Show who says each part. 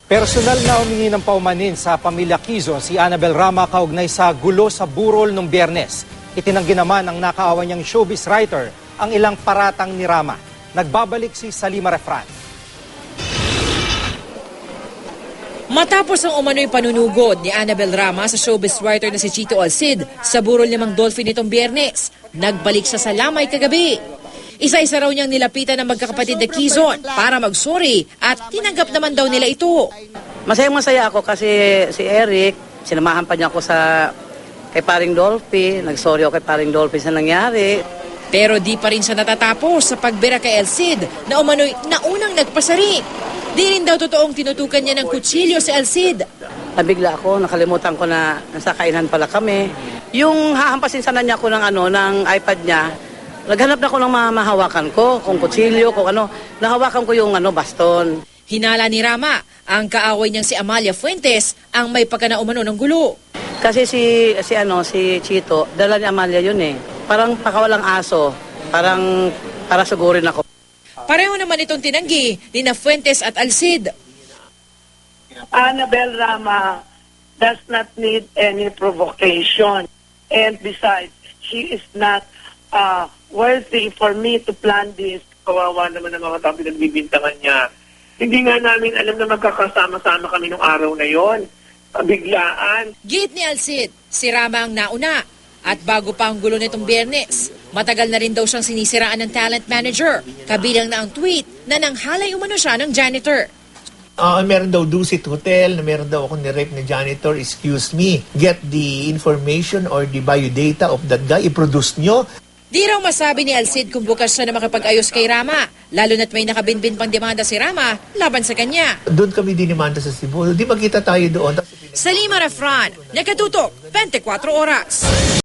Speaker 1: Personal na humingi ng paumanin sa pamilya Quezon si Annabel Rama kaugnay sa gulo sa burol nung Biyernes. Itinanggi naman ng nakaawa niyang showbiz writer ang ilang paratang ni Rama. Nagbabalik si Salima Refran.
Speaker 2: Matapos ang umano'y panunugod ni Annabel Rama sa showbiz writer na si Chito Alcid sa burol ni Mang Dolphy nitong Biyernes, nagbalik siya sa lamay kagabi. Isa-isa raw niyang nilapitan ng magkakapatid na Quezon para mag-sorry at tinanggap naman daw nila ito.
Speaker 3: Masayang-masaya ako kasi si Eric, sinamahan pa niya ako kay Paring Dolphy. Nag-sorry ako kay Paring Dolphy sa nangyari.
Speaker 2: Pero di pa rin siya natatapos sa pagbira kay Alcid na umano'y naunang nagpasari. Di rin daw totoong tinutukan niya ng kutsilyo si Alcid.
Speaker 3: Nabigla ako, nakalimutan ko na nasa kainan pala kami. Yung hahampasin sana niya ako ng iPad niya, naghanap na ako ng mahawakan ko, kung kutsilyo, kung ano. Nahawakan ko yung baston.
Speaker 2: Hinala ni Rama, ang kaaway niyang si Amalia Fuentes ang may pagkanaumano ng gulo.
Speaker 3: Kasi si Chito, dala ni Amalia yun eh. Parang pakawalang aso, para sugurin ako.
Speaker 2: Pareho naman itong tinanggi ni na Fuentes at Alcid.
Speaker 4: Annabel Rama does not need any provocation. And besides, she is not worthy for me to plan this.
Speaker 5: Kawawa naman ang mga tao pinagbibintangan niya. Hindi nga namin alam na magkakasama-sama kami nung araw na yon. Biglaan.
Speaker 2: Git ni Alcid, si Rama ang nauna. At bago pa ang gulo nitong Biyernes, matagal na rin daw siyang sinisiraan ng talent manager. Kabilang na ang tweet na nanghalay umano siya ng janitor.
Speaker 6: Meron daw Dusit Hotel, na meron daw ako ni-rape ni janitor, excuse me. Get the information or the biodata of that guy, i-produce nyo.
Speaker 2: Di raw masabi ni Alcid kung bukas siya na makapag-ayos kay Rama, lalo na't may nakabinbin pang demanda si Rama laban sa kanya.
Speaker 6: Doon kami dinimanda sa Cebu, di magkita tayo doon.
Speaker 2: Salima Refran, Nakatutok, 24 Oras.